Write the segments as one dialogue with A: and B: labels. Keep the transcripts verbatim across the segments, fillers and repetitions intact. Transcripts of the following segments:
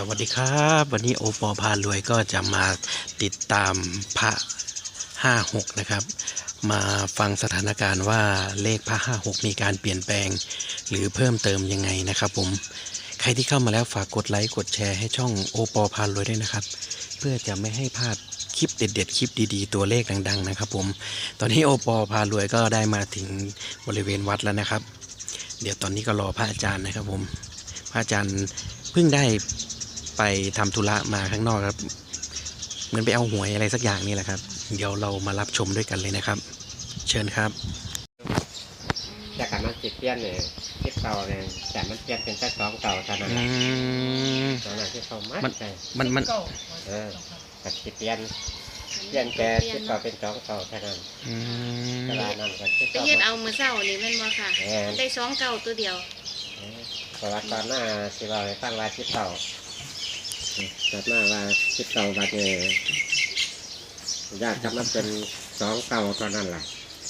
A: วัสดีครับวันนี้โอปอพารวยก็จะมาติดตามพระห้าหกนะครับมาฟังสถานการณ์ว่าเลขพระห้าหกมีการเปลี่ยนแปลงหรือเพิ่มเติมยังไงนะครับผมใครที่เข้ามาแล้วฝากกดไลค์กดแชร์ให้ช่องโอปอพารวยด้วยนะครับเพื่อจะไม่ให้พลาดคลิปเด็ดๆคลิปดีๆตัวเลขดังๆนะครับผมตอนนี้โอปอพารวยก็ได้มาถึงบริเวณวัดแล้วนะครับเดี๋ยวตอนนี้ก็รอพระอาจารย์นะครับผมพระอาจารย์เพิ่งได้ไปทำธุระมาข้างนอกครับเหมือนไปเอาหวยอะไรสักอย่างนี่แหละครับเดี๋ยวเรามารับชมด้วยกันเลยนะครับเชิญครับ
B: จากการมันจิตเปลี่ยนเนี่ยที่เก่าเนี่ยแต่มันเปลี่ยนเป็นแค่สองเก่าเท่านั้นแหละตอนนั้นที่เขามัดใจ
A: มันมัน
B: เออกับจิตเปลี่ยนเปลี่ยนแค่ที่เก่าเป็นสองเก่าเท่านั้นเวลานั้นก็ที่
C: ไปเฮ็ดเอามือเศร้านี่แม่นบ่ค่ะได้สองเก่าตัวเดียว
B: ประวัติตอนหน้าสิเราให้ฟังว่าที่เก่าตอนหน้าว่าที่เก่าบัดเนี่ยญาติจะมาเป็นสองเก่าตอนนั้นแหละ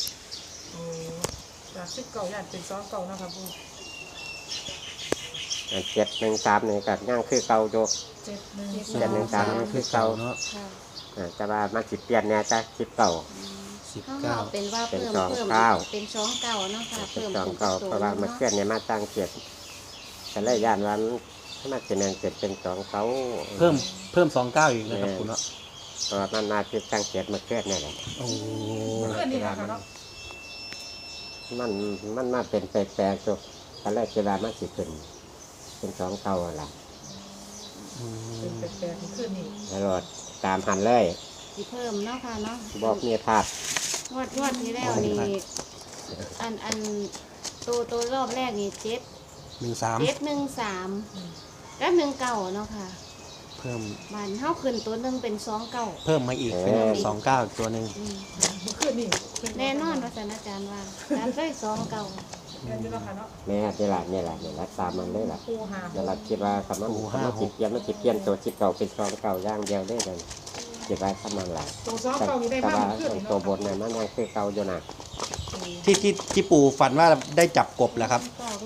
D: จากสิบเก่าอยากเป็นสองเก่านะครับปู
B: เจ็ดหนึ่งสามนี่กับย่างคือเก่าโย
D: เจ็ดหนึ่ง
B: เจ็ดหนึ่งสามนี่คือเก่าเนาะแต่ว่ามันสิเปลี่ยนเนี่ยจะสิบเก่า
C: สิบเก้าเป็นว่าเพิ่มเพิ่มเป็นสองเก่าเนาะค่ะ
B: เพิ่มสองเก่าเพราะว่ามันเปลี่ยนเนี่ยมาตั้งเจ็ดแต่ละย่านวันถ้ามาจะแมงเจ็ดเป็นสองเก่า
A: เพิ่มเพิ่มสองเก้าอีกนะครับคุณเนาะ
B: เพราะว่ามันมาคือตั้งเจ็ดมาเปลี่ยนเนี่ยแหละ
A: โอ้
B: มันมันมาเป็นแปลกๆตัวตอนแรกเวลามันสิขึ้นเป็นสองเก่าอะไร
D: เป็นแปลกๆขึ้นนี่
B: แล้วตามหันเลย
C: สิเพิ่มเนาะค่ะเนาะ
B: บอกมีภาพ
C: งวดงวดที่แล้วนี่อันอันตัวตัวรอบแรกนี่เจ็ด
A: หนึ่งสาม
C: เจ็ดหนึ่งสามและหนึ่งเก่าเนาะค่ะ
A: เพิ่ม
C: มันเท่าขึ้นตัวหนึ่งเป็นสองเก่า
A: เพิ่มมาอีกเป็นสองเก้าตัวหนึ่ง
D: ขึ้นนี่
C: แน่นอนว่าอาจารย์ว่าการได้สองเก่า
B: แม่นี่แหละนี่แหละนี่แหละนี่แหละตามมันเลยแหละเดี๋ยวเราคิดว่าคำว่าคำว่าจิตเปลี่ยนไม่จิตเปลี่ยนตัวจิตเก่าเป็นสองเก่าย่างเดียวได้เลยคิดว่าทำมันหลาย
D: ตัวสองเก่ามีได้
B: มากขึ้นตัวบนเนี่ยมันยังคือเก่าอยู่นะ
A: ที่ที่ที่ปู่ฝันว่าได้จับกบแหละครับ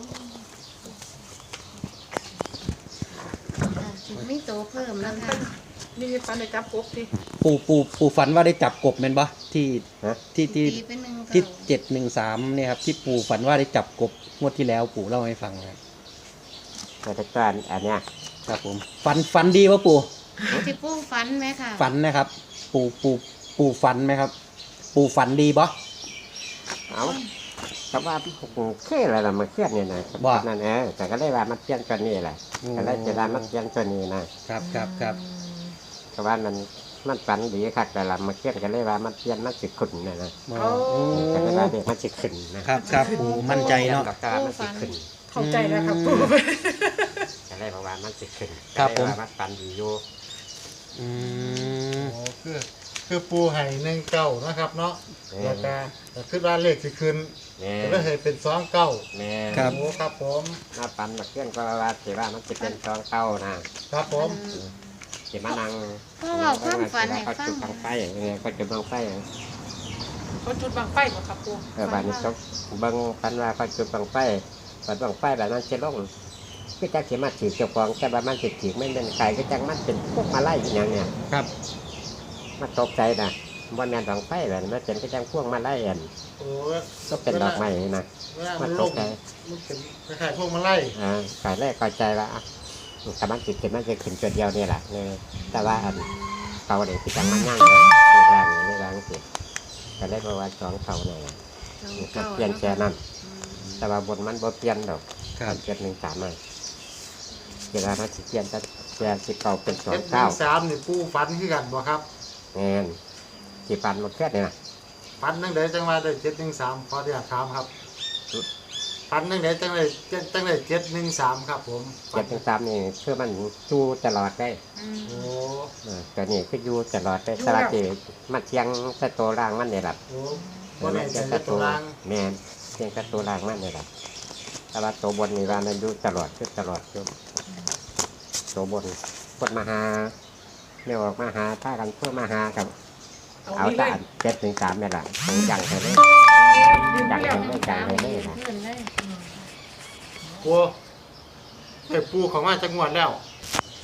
C: ไม่โตเพิ่มแล้วค่ะ
D: นี่ฝันได้จับกบสิ
A: ปู่ปู่ปู่ฝันว่าได้จับกบเป็นปะที่ที่ที่ที่เจ็ดหนึ่งสามเนี่ยครับที่ปู่ฝันว่าได้จับกบงวดที่แล้วปู่เล่าให้ฟังครับ
B: แต่การอันเนี้ย
A: ครับผมฝันฝันดีวะปู่
C: ที่ปู่ฝันไหมค่ะ
A: ฝันนะครับปู่ปู่ปู่ฝันไหมครับปู่ฝันดีปะ
B: เอาแต่ว่าเคลื่อนอะไรมาเคลื่อนเนี่ยนะบอกนั่นเองแต่ก็ได้ว่ามันเคลื่อนตัวนี้แหละก็ได้จะได้มันเคลื่อนตัวนี้
A: นะครับครับครับ
B: แต่ว่ามันมันฝันดีค่ะแต่ละมาเคลื่อนก็เลยว่ามันเคลื่อนมันสิขึ้นนะนะแต่ก็ได้เด็กมันสิขึ้น
A: นะครับครับปู่มั่นใจเนาะ
B: ก็มันสิขึ้น
D: เข้าใจนะครับปู่
B: ก็เลยบอกว่ามันสิขึ้น
A: ครับผม
B: มันฝันดีอยู่
A: อืม
E: โอ้คือคือปูไห่หนึ่งเก้านะครับเนาะแล้วก็คือว่าเลขสิขึ้นก็เลยให้เป็นสองเก้า
A: ครับ
E: โอ้ครับผม
B: มาปั่นมาเคลื่อนก็ว่าสิว่ามันจะเป็นสองเก้านะครับ
E: ผม
B: สิมานั่ง
C: ก็เราความฝันให้ฟัง
B: จุดบังไฟเนี่ยก็จุดบังไฟ
D: เขาจุดบังไฟหรอครับปู
B: เออบ้านนี้เขาบังปันว่าเขาจุดบังไฟปันบังไฟแบบนั้นเชื่อลงก็จะเขียนมาถือเจ้าของแต่ว่ามันถือถือไม่เป็นไก่ก็จังมันเป็นพวกมาไล่อย่างเนี้ย
A: ครับ
B: มาตกใจนะวันงานบังไฟแบบมันเป็นก็จังพวกมาไล่อันก็เป็นดอกไม้นะ
E: มันตกใจมันเป็นคล้ายๆพวกมาไล่
B: อ่าไก่แรกก็ใจว่าแต่มันจิตมันจะขึ้นจุดเดียวนี่แหละแต่ว่าอันเก่าเด็กที่จังมันย่างเลยในร่างในร่างจิตแต่ได้ประวัติสองเก่าหน่อยมันเปลี่ยนแค่นั้นแต่ว่าบนมันบ่เปลี่ยนดอกเจ็ดหนึ่งสามเลยเวลามันเปลี่ยนจะเปลี่ยนสิเก่าเป็นสองเก้า
E: สามนี่ปูฟันขึ้นกันบ่ครับ
B: เงี้ยสิฟันหมดแค่เนี่ย
E: ฟันนั่งเดี๋ยวจังว่าได้เจ็ดหนึ่งสามพอที่จะถามครับฟันนั่งเดี๋ยวจังเลยจังเลยเจ็ดหนึ่งสามครับผม
B: เจ็ดหนึ่งสามนี่เพื่อมันจูตลอดได้
E: โอ้
B: แต่นี่คือยูตลอดได้สลัดเจมันเชียงสะโตร่างมันเนี่ยหลับ
E: มันเชียงสะโตร่าง
B: แมนเชียงสะโตร่างมันเนี่ยหลับแต่ว่าตัวบนนี่ว่ามันยูตลอดคือตลอดคือตัวบนพดมาหาเนี่ยออกมาหาถ้ากันเพื่อมาหากับเอาแต่เจ็ดหนึ่งสามเนี่ยแหละผมยังไปเลยยังไปเลยยังไปเลยนะ
E: ปูไอ้ปูของมาจังหวัดแล้ว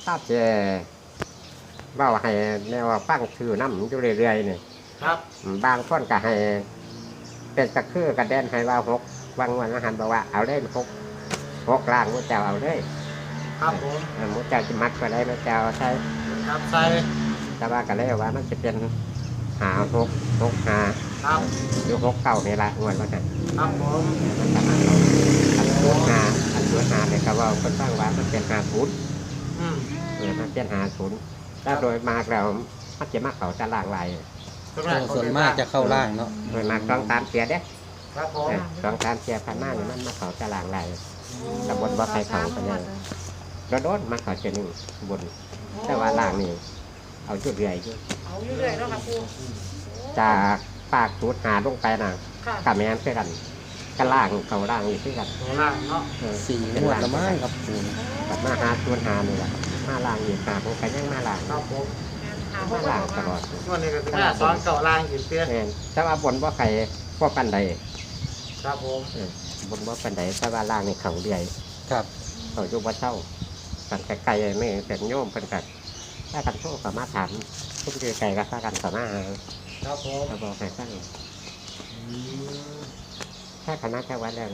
B: ถ้าจะเว้าให้แนวว่าฟังชื่อน้ำอยู่เรื่อยๆนี่
E: ครับ
B: บางคนก็ให้เป็นตะคือกระเด็นให้ว่าหกบางวันอาหารบอกว่าเอาเล่นหกหกล่างมุ้เจ้าเอาเลย
E: ครับผม
B: เออมุ้เจ้าจะมัดก็ได้มุ้เจ้าใช่
E: ครับใส่
B: แต่ว่าก็เลยว่ามันจะเป็นหาหกหกหา
E: ครับ
B: อยู่หกเก้านี่ละงวดว่าไง
E: ครับผม
B: มันจะมาเอาอันตัวหาอันตัวหาเนี่ยก็ว่าคนตั้งว่ามันเป็นหาศูนย์
E: อืม
B: เออมันเป็นหาศูนย์ถ้าโดยมากแล้วมันจะมากเขาจะล่างลาย
A: ส่วนมากจะเข้าล่างเนาะ
B: โดยมากต้องตามเสียเด้
E: ครับผม
B: เออต้องตามเสียพันมากนี่มันมาเขาจะล่างลาย ตำบลบ่อไผ่เขาเป็นไง รถโดนมาเขาจะหนึ่งบน แต่ว่าล่างนี่เอาจุดเรื่อยอยู่
D: เอาอยู่เรื่อยเนาะค่ะปู
B: จากปากตูดหาลงไปน่ะ
D: ค่ะ
B: กับแม่นเพื่อกันก็ล่างเขาล่างอยู่ที่กัน
E: ตัวล่างเนาะ
B: เออ
A: สี่งวดละมั้งครับปู
B: กับมาหาตูดหานี่แหละมาล่างอีกหาผมก็ยังมาล่าง
E: ครับผม
D: หาพว
B: มาก ล่างตลอด
E: ช่วงนี้ก็ถึงแม่สอนเก่าล่างอีกเตี้ย
B: แม่นแต่ว่าบนว่าใครพวกปันใด
E: ครับผม
B: เออบนว่าปันใดแต่ว่าล่างนี่เขาเรื่อย
A: ครับ
B: เขาอยู่บ่เช่ากันไกลๆไม่เป็นโยมเป็นกันถ้ากันโทษก็มาถามทุกทีไกลก็ถ้ากันก็มาหา
E: ครับผม
B: เราบอกให้ฟัง
E: อืม
B: ถ้าคณะจังหวัดแล้ว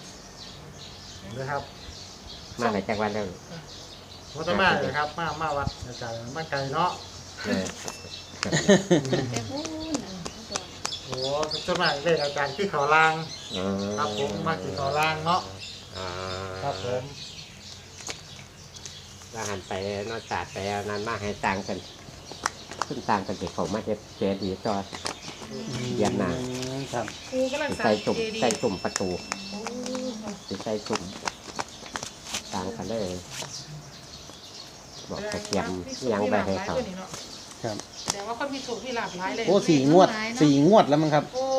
E: นะครับ
B: มาไหนจังหวัดแล้ว
E: วัดมาเลยครับ มามาวัดอาจารย์มาไกลเนาะ
B: เออ
C: แต่พูดน่ะ
E: โอ้ส่วนมากเลยอาจารย์ที่เขาล่าง
B: อ๋อ
E: ครับผมมาที่เขาล่างเนาะ
B: อ่า
E: ครับผม
B: ว่าหันไปนอกจากไปเอานั้นมาให้ต่างกันขึ้นต่างกันเด็กเขามาเจ็บเจดีย์ต่อ เยี่ยมนะ
A: ครับ
D: ปูกำลัง
B: สิ
D: สร้า
B: ใส่
D: ง
B: ตุ่ม
D: เจดี
B: ใส่
D: ย์
B: ตุ่มประตู
D: โอ้
B: สิใส่ตุ่มต่างกันเลย บอกตะเกียมยังไปให้เขา
A: ครับ
D: แสดงว่าคนมีสูงมีหลากหลายเลย
A: โอ้สี่งวดสี่งวดแล้วมั้งครับ
D: โอ้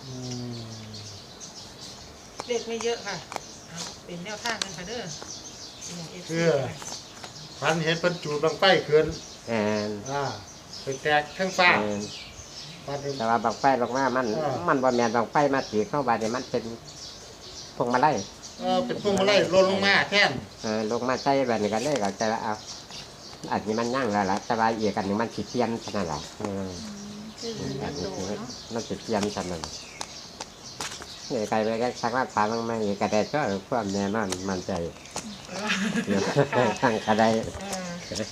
D: เด็กไม่เยอะค่ะเอาเป็นแนวทางกันค่ะเด้อ
E: คือพันเห็นเป็นจูดบางไฟขึ้น
B: แอน
E: อ่าไปแตกข้างฟ้า
B: แอน
E: พันเห็น
B: แต่ว่าบางไฟลงมามัน
E: อ่ามั
B: มันบ่แมนบางไฟมาสีเข้าไปเนี่ยมันเป็นพวงมาลัย
E: เออเป็นพวงมาลัยลดลงมาแท่น
B: เออลงมาใส่แบบนี้กันเลยก็จะเอาอันนี้มันย่างแล้วล่ะแต่ว่าอีกอันหนึงมันสิเทียนขนาดไหนเออ
C: คือ
B: อั
C: เงิ
B: น
C: น
B: นี้
C: โต
B: คือ
C: เนาะ
B: มันสิเทียนขนาดนั้นนี่ใครไปก็ชักว่าถามบ้างไหมกระไดก็ความแน่นอนมันใจเดี๋ยวทางกระได
D: เออ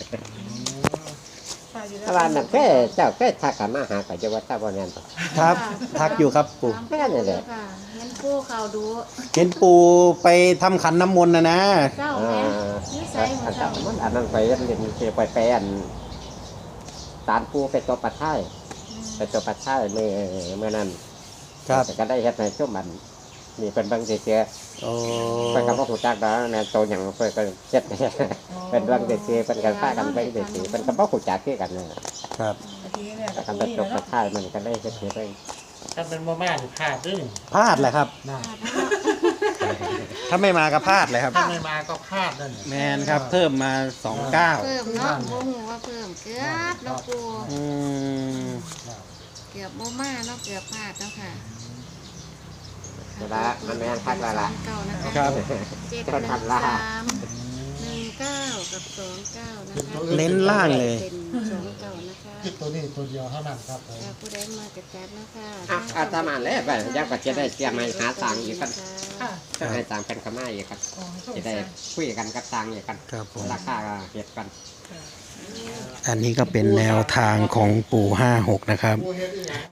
D: ค่ะอยู่
B: แต่ว่านั่นแค่เจ้าแค่ทักกันมาหาก็จะว่าถ้าบ่แน่นต่อ
A: ครับ ทักอยู่ครับปู่
C: แค่นี้แหละค่ะเห็นปูเขาดู
A: เห็นปูไปทำขันน้ำมนต์นะนะ
C: เจ้า
B: เอ
C: แม่
B: อ
C: นิสัยเหมื
B: อั
C: อน น
B: นั้
C: เจ้าน
B: มันอันนั้นไปเรียนเรียนไปไปอันตานปูไปตัวปัดท้ายไปตัวปัดท้ายเมื่อเมื่อนั้น
A: ครับ
B: แต่ก็ได้เฮ็ดในช่วงมันนี่เป็นบางเสีย
A: โอ้
B: เพิ่นก็บ่ฮู้จักดอกแม่นโตหยังเพิ่นก็เจ็ดเป็นบางเสียเพิ่นก็พากันไปเสียเพิ่นก็บ่ฮู้จักคือกันนั่นน่ะ
A: ครับ
D: ทีนี้เนี่ย
B: ทำเป็นตัวปัดท้ายมันก็ได้เฮ็ดให้ไป
E: ถ้าเป็นบ่มานี่พลาดด้วยนี่
A: พลาดแหละครับ
E: นะ
A: ถ้าไม่มาก็พลาดเลยครับ
E: ถ้าไม่มาก็พลาดนั่นน่ะ
A: แมนครับ เพิ่มมาสองเก้า
C: เพิ่มเนาะโมโหว่าเพิ่มเกือบเนาะปู
A: อืม
C: เกือบโมมาเนาะเกือบพลาดเนาะค่ะ
B: เวลามันแม่นคักแล้วล่ะ
C: เก้านะคะ
A: ครับ
C: เจ็ด
B: คน
C: หนึ่ง
B: ทำล่า
C: สามหนึ่งเก้ากับสองเก้านะคะ
A: เน้นล่างเลย
C: เป็นสองเก้านะคะ
E: คิดตัวนี้ตัวเดียวเท่านั้นครับผม
C: แล้วผู้ใดมากระจัดนะคะ
B: อ่ะอาตมาแล้วไปยังก็จะได้เตรียมให้หาตังค์อีกกัน
D: ค่ะ
B: จะให้ตังค์เป็นขม่าอีกครับ
D: อ๋อส่ง
B: จะได้
D: สาร
B: คุยกันกับตังค์อีกกัน
A: ครับผม
B: ราคาก็เฮ็ดกัน
A: อันนี้ก็เป็นแนวทางของปู่ห้าหกนะครับ
E: ผู้เฮ็ดอีหยัง